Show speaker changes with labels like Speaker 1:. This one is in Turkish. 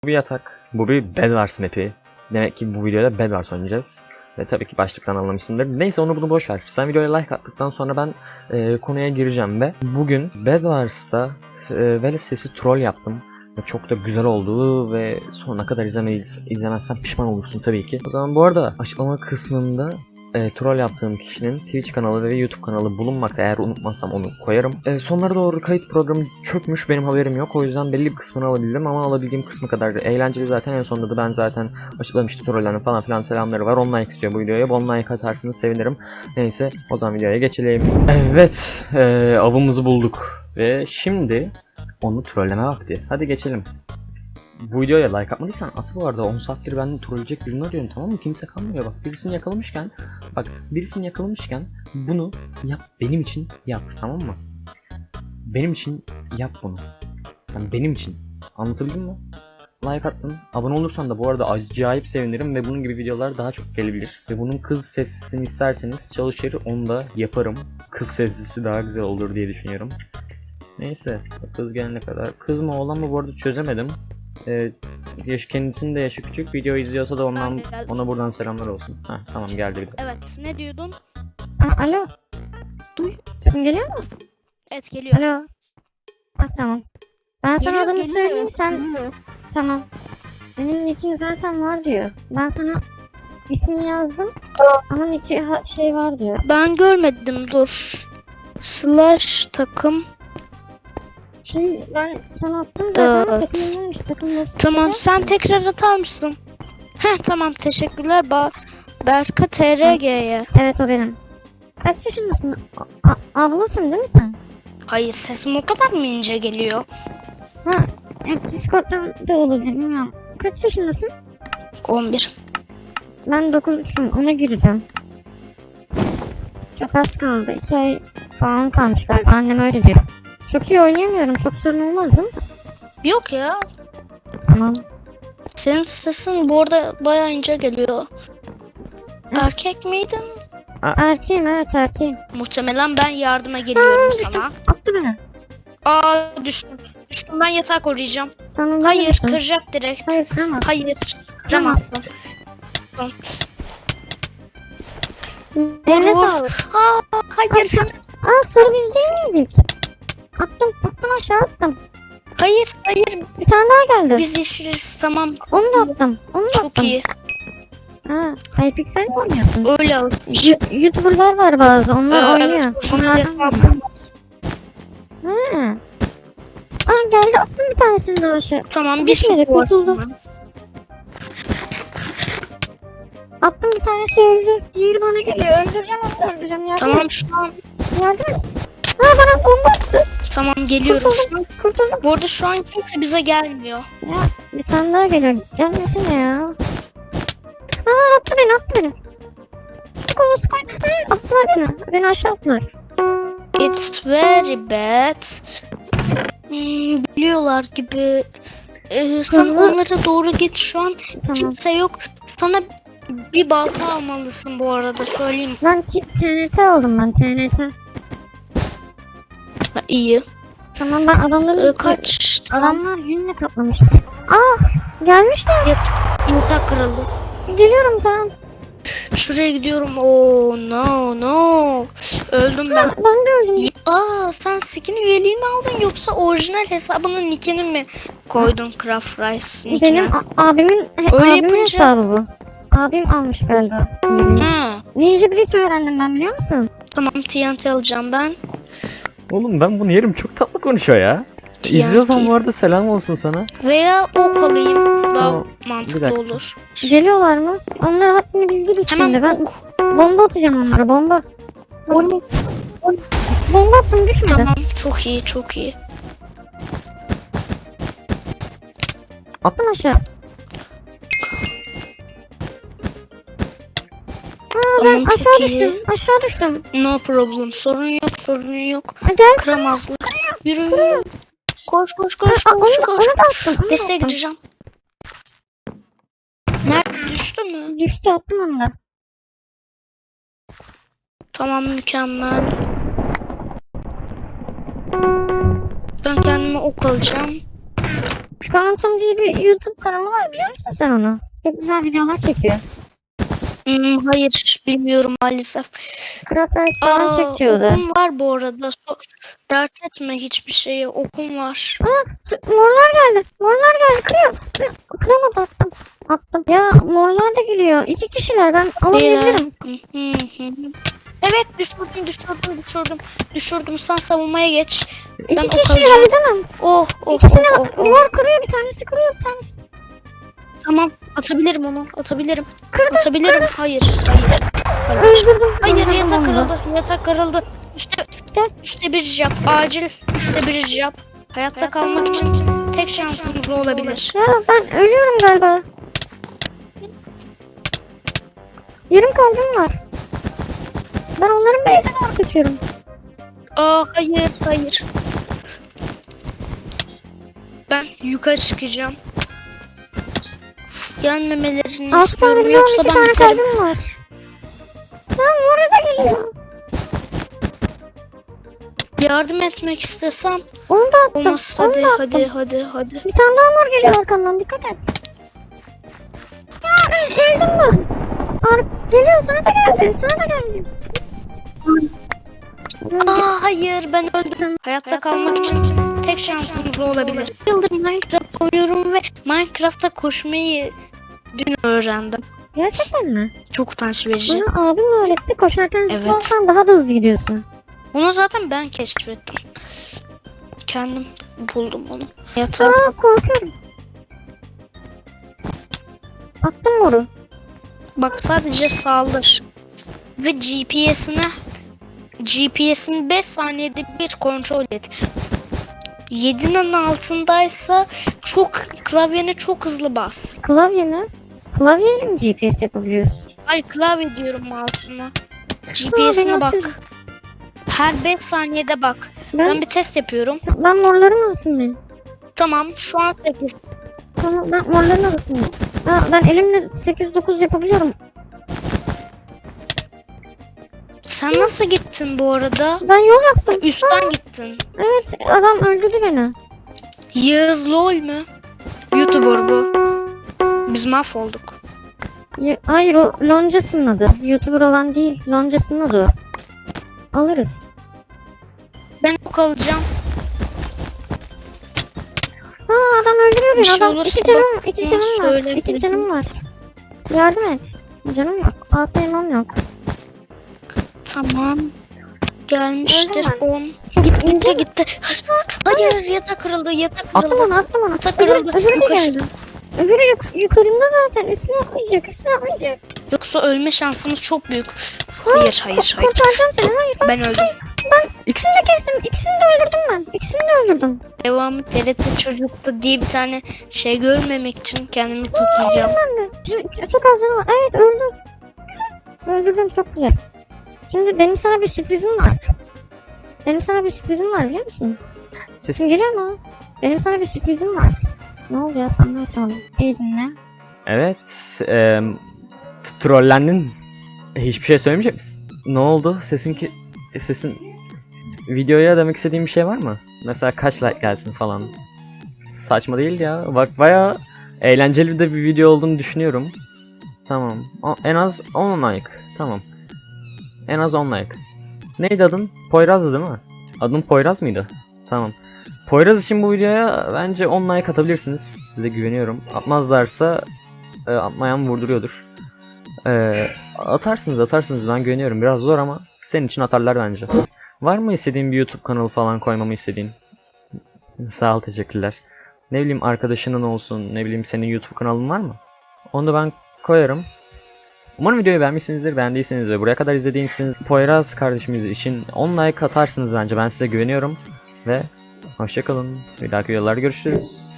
Speaker 1: Bu bir yatak. Bu bir Bedwars map'i. Demek ki bu videoda Bedwars oynayacağız. Ve tabii ki başlıktan anlamışsındır. Neyse onu bunu boş ver. Sen videoya like attıktan sonra ben konuya gireceğim ve bugün Bedwars'ta Veles sesi troll yaptım. Ve çok da güzel oldu ve sonuna kadar izlemezsen pişman olursun tabii ki. O zaman bu arada açıklama kısmında troll yaptığım kişinin Twitch kanalı ve YouTube kanalı bulunmakta. Eğer unutmazsam onu koyarım. Sonlara doğru kayıt programı çökmüş, benim haberim yok. O yüzden belli bir kısmını alabildim ama alabildiğim kısmı kadar da eğlenceli zaten. En sonunda da ben zaten açıklamıştım, trollerin falan filan selamları var. 10 like istiyor bu videoya. 10 like atarsanız sevinirim. Neyse o zaman videoya geçelim. Evet, avımızı bulduk ve şimdi onu trolleme vakti. Hadi geçelim. Bu videoya like atmadıysan at bu arada. 10 saattir ben trolleyecek birini arıyorum, tamam mı? Kimse kalmıyor bak. Birisini yakalamışken bunu yap, benim için yap, tamam mı? Benim için yap bunu. Yani benim için. Anlatabildim mi? Like attın. Abone olursan da bu arada acayip sevinirim ve bunun gibi videolar daha çok gelebilir. Ve bunun kız sesini isterseniz çalışır, onu da yaparım. Kız sesi daha güzel olur diye düşünüyorum. Neyse, kız gelene kadar. Kız mı oğlan mı bu arada çözemedim. Kendisinin de yaşı küçük. Video izliyorsa da ona buradan selamlar olsun. Heh, tamam geldi bir de.
Speaker 2: Evet, ne diyordun?
Speaker 3: Alo. Sesim geliyor mu?
Speaker 2: Evet, geliyor.
Speaker 3: Alo. Tamam. Ben sana
Speaker 2: Geliyor,
Speaker 3: adımı
Speaker 2: geliyor.
Speaker 3: söyleyeyim sen. Tamam. Benim nickin zaten var diyor. Ben sana ismini yazdım. Ama nicki şey var diyor.
Speaker 2: Ben görmedim, dur. Slash takım.
Speaker 3: Ben sana attım zaten.
Speaker 2: Evet.
Speaker 3: Takımdaymış. Takımda.
Speaker 2: Tamam, sen tekrar atar mısın? Heh, tamam, teşekkürler. Berka TRG'ye.
Speaker 3: Evet, o benim. Kaç yaşındasın? Ablasın değil mi sen?
Speaker 2: Hayır, sesim o kadar mı ince geliyor?
Speaker 3: Discord'dan da olur bilmiyorum. Kaç yaşındasın?
Speaker 2: 11.
Speaker 3: Ben 9'um, ona gireceğim. Çok az kaldı. 2 ay falan kalmış galiba. Annem öyle diyor. Çok iyi oynayamıyorum. Çok sorun olmaz değil mi?
Speaker 2: Yok ya.
Speaker 3: Tamam.
Speaker 2: Senin sesin bu arada bayağı ince geliyor. Erkek miydin?
Speaker 3: Erkeğim, evet erkeğim.
Speaker 2: Muhtemelen ben yardıma geliyorum sana.
Speaker 3: Attı beni.
Speaker 2: Aa, düştüm. Düştüm, ben yatağı koruyacağım.
Speaker 3: Tamam, ben
Speaker 2: Hayır,
Speaker 3: düştüm.
Speaker 2: kıracak direkt.
Speaker 3: Hayır, kıramaz.
Speaker 2: Hayır, kıramazsın.
Speaker 3: Eline
Speaker 2: Vurur.
Speaker 3: sağlık.
Speaker 2: Hayır.
Speaker 3: Sarı biz değil miydik? Attım aşağı attım.
Speaker 2: Hayır.
Speaker 3: Bir tane daha geldi.
Speaker 2: Biz yeşiliz, tamam.
Speaker 3: Onu da attım.
Speaker 2: Çok iyi.
Speaker 3: Hypixel mi oynuyorsun?
Speaker 2: Öyle alışmış.
Speaker 3: YouTuber'lar var bazı. Onlar oynuyor.
Speaker 2: Evet,
Speaker 3: Onlardan
Speaker 2: hesabım.
Speaker 3: Geldi, attım bir tanesini daha aşağı.
Speaker 2: Tamam, bir
Speaker 3: Düşmedi,
Speaker 2: su var.
Speaker 3: kurtuldu. Attım bir tanesi öldü. Diğeri bana geliyor. Öldüreceğim onu, öldüreceğim.
Speaker 2: Tamam, şu an.
Speaker 3: Yardım et. Bana bomba attı.
Speaker 2: Tamam, geliyorum şu an.
Speaker 3: Kurtuldum.
Speaker 2: Bu arada şu an kimse bize gelmiyor.
Speaker 3: Ya bir tane daha geliyor. Gelmesene ya. Attı beni. Koy. Attılar beni. Beni aşağı attılar.
Speaker 2: It's very bad. Geliyorlar gibi. Sen
Speaker 3: Hızlı.
Speaker 2: onlara doğru git, şu an
Speaker 3: Tamam.
Speaker 2: kimse yok. Sana bir balta almalısın bu arada, söyleyeyim.
Speaker 3: Ben TNT aldım ben. TNT.
Speaker 2: İyi.
Speaker 3: Tamam, ben adamların...
Speaker 2: Kaç?
Speaker 3: Adamlar yünle kaplamış. Gelmişler.
Speaker 2: Yatak kırıldı.
Speaker 3: Geliyorum, tamam.
Speaker 2: Şuraya gidiyorum. Oh no. Öldüm ben.
Speaker 3: Ben de öldüm.
Speaker 2: Sen skin üyeliği mi aldın yoksa orijinal hesabının nickini mi koydun Craft Rice nickine?
Speaker 3: Benim abimin
Speaker 2: yapınca-
Speaker 3: hesabı bu. Abim almış galiba. Ninja Blitz öğrendim ben, biliyor musun?
Speaker 2: Tamam, TNT alacağım ben.
Speaker 1: Oğlum ben bunu yerim, çok tatlı konuşuyor ya. İzliyorsan bu arada selam olsun sana.
Speaker 2: Veya ok alayım. Daha
Speaker 1: Tamam, bir
Speaker 2: mantıklı
Speaker 1: dakika.
Speaker 2: olur.
Speaker 3: Geliyorlar mı? Onlara haddini bildiririz şimdi.
Speaker 2: Hemen
Speaker 3: Ben
Speaker 2: ok.
Speaker 3: bomba atacağım onlara, bomba. Bomba attım, düşmedi.
Speaker 2: Tamam, çok iyi.
Speaker 3: Attım aşağı.
Speaker 2: Tamam, çok
Speaker 3: Aşağı
Speaker 2: iyi.
Speaker 3: düştüm.
Speaker 2: No problem. Sorun yok.
Speaker 3: Gel.
Speaker 2: Kıramazlar. Yürü. Koş.
Speaker 3: Onu da attım.
Speaker 2: Desteğe gireceğim. Nerede, düştü mü?
Speaker 3: Düştü, attım onu da.
Speaker 2: Tamam, mükemmel. Ben kendime ok alacağım.
Speaker 3: Pikarantum diye bir YouTube kanalı var, biliyor musun sen onu? Çok güzel videolar çekiyor.
Speaker 2: Hayır bilmiyorum maalesef.
Speaker 3: Craft Rice falan çekiyordu.
Speaker 2: Okum var bu arada. Dert etme hiçbir şeye. Okum var.
Speaker 3: Morlar geldi. Morlar geldi. Kırıyor. Kıramadı, attım. Attım. Ya morlar da geliyor. 2 kişiler, ben alamayabilirim.
Speaker 2: Evet düşürdüm. Sen savunmaya geç. Ben
Speaker 3: 2
Speaker 2: ok
Speaker 3: kişiyi
Speaker 2: alacağım.
Speaker 3: halledemem.
Speaker 2: Oh.
Speaker 3: İkisini mor kırıyor, bir tanesi kırıyor, bir tanesi.
Speaker 2: Tamam atabilirim onu. Atabilirim.
Speaker 3: Kırdım.
Speaker 2: Atabilirim. Hayır.
Speaker 3: Öldürdüm.
Speaker 2: Hayır
Speaker 3: Öldürdüm
Speaker 2: yatak
Speaker 3: onu.
Speaker 2: kırıldı. Üçte bir yap. Acil üçte bir yap. Hayatta kalmak için tek şansınız bu olabilir.
Speaker 3: Ya ben ölüyorum galiba. Yarım kalbim var. Ben onların base'e doğru kaçıyorum.
Speaker 2: Hayır. Ben yukarı çıkacağım. Yenmemelerini
Speaker 3: Altı
Speaker 2: istiyorum
Speaker 3: tane
Speaker 2: yoksa
Speaker 3: 12
Speaker 2: ben
Speaker 3: tane
Speaker 2: biterim.
Speaker 3: kalbim var. Lan mora da geliyor.
Speaker 2: Yardım etmek istesem
Speaker 3: Onu da attım.
Speaker 2: olmaz.
Speaker 3: Onu da attım.
Speaker 2: Hadi.
Speaker 3: Bir tane daha mor geliyor arkamdan, dikkat et. Ya öldüm ben. Geliyor, sana da geldi.
Speaker 2: Hayır ben öldüm. Hayatta kalmak için tek şansınız bu olabilir. Yıldır Minecraft oynuyorum ve Minecraft'ta koşmayı dün öğrendim.
Speaker 3: Gerçekten mi?
Speaker 2: Çok utanç verici.
Speaker 3: Bana abim öğretti, koşarken
Speaker 2: Evet.
Speaker 3: zıplarsan daha da hızlı gidiyorsun.
Speaker 2: Onu zaten ben keşfettim. Kendim buldum onu. Yatağa
Speaker 3: Korkuyorum. Attım moru.
Speaker 2: bak sadece saldır. Ve GPS'ini 5 saniyede bir kontrol et. 7'nin altındaysa klavyeni çok hızlı bas.
Speaker 3: Klavye mi? Klavyeyle mi GPS yapabiliyoruz?
Speaker 2: Ay klavye diyorum mouse'una. GPS'ine bak.
Speaker 3: atıyorum.
Speaker 2: Her 5 saniyede bak. Ben bir test yapıyorum.
Speaker 3: Ben morların hızlısıyım.
Speaker 2: Tamam şu an 8.
Speaker 3: Tamam, ben morların hızlısıyım. Ben elimle 8-9 yapabiliyorum.
Speaker 2: Sen nasıl gittin bu arada?
Speaker 3: Ben yol yaptım.
Speaker 2: Üstten gittin.
Speaker 3: Evet, adam öldürdü beni.
Speaker 2: Yağız LOL mü? YouTuber bu. Biz mahvolduk.
Speaker 3: Hayır, o Loncas'ın adı. YouTuber olan değil. Loncas'ın adı o. Alırız.
Speaker 2: Ben ok alacağım.
Speaker 3: Adam öldürüyor
Speaker 2: Bir
Speaker 3: beni.
Speaker 2: şey
Speaker 3: Adam
Speaker 2: olursa
Speaker 3: iki
Speaker 2: bana
Speaker 3: canım var.
Speaker 2: söyle,
Speaker 3: 2
Speaker 2: bildim.
Speaker 3: canım var. Yardım et. Canım yok. 6 elmam yok.
Speaker 2: Tamam. Gelmiştir
Speaker 3: Öldüm
Speaker 2: 10.
Speaker 3: Çok ince.
Speaker 2: Gitti. Hayır yatak kırıldı.
Speaker 3: Attım onu.
Speaker 2: Yatak kırıldı.
Speaker 3: Öbürü de
Speaker 2: Yukarı
Speaker 3: geldi.
Speaker 2: çık.
Speaker 3: Öbürü yukarımda zaten. Üstüne atlayacak.
Speaker 2: Yoksa ölme şansımız çok büyük. Hayır.
Speaker 3: Kurtaracağım seni. Hayır.
Speaker 2: Ben öldüm.
Speaker 3: İkisini de kestim. İkisini de öldürdüm ben. İkisini de öldürdüm.
Speaker 2: Devamı TRT Çocuk'ta diye bir tane şey görmemek için kendimi tutacağım.
Speaker 3: Ben de. Çok az canım var. Evet, öldüm. Güzel. Öldürdüm, çok güzel. Şimdi benim sana bir sürprizim var. Biliyor musun? Sesim geliyor mu? Benim sana bir sürprizim var. Ne oldu ya, sana açalım. İyi dinle.
Speaker 1: Evet. Trollendin. Hiçbir şey söylemeyecek misin? Ne oldu? Sesin videoya demek istediğin bir şey var mı? Mesela kaç like gelsin falan. Saçma değil ya. Bak bayağı eğlenceli de bir video olduğunu düşünüyorum. Tamam. En az 10 like. Tamam. En az 10 like. Neydi adın? Poyraz'dı değil mi? Adın Poyraz mıydı? Tamam. Poyraz için bu videoya bence 10 like atabilirsiniz. Size güveniyorum. Atmazlarsa atmayan vurduruyordur. Atarsınız ben güveniyorum. Biraz zor ama senin için atarlar bence. Var mı istediğin bir YouTube kanalı falan koymamı istediğin? Sağ ol, teşekkürler. Ne bileyim arkadaşının olsun, ne bileyim senin YouTube kanalın var mı? Onu da ben koyarım. Umarım videoyu beğenmişsinizdir. Beğendiyseniz ve buraya kadar izlediyseniz Poyraz kardeşimiz için 10 like atarsınız bence. Ben size güveniyorum. Ve hoşçakalın. Bir dahaki videolarda görüşürüz.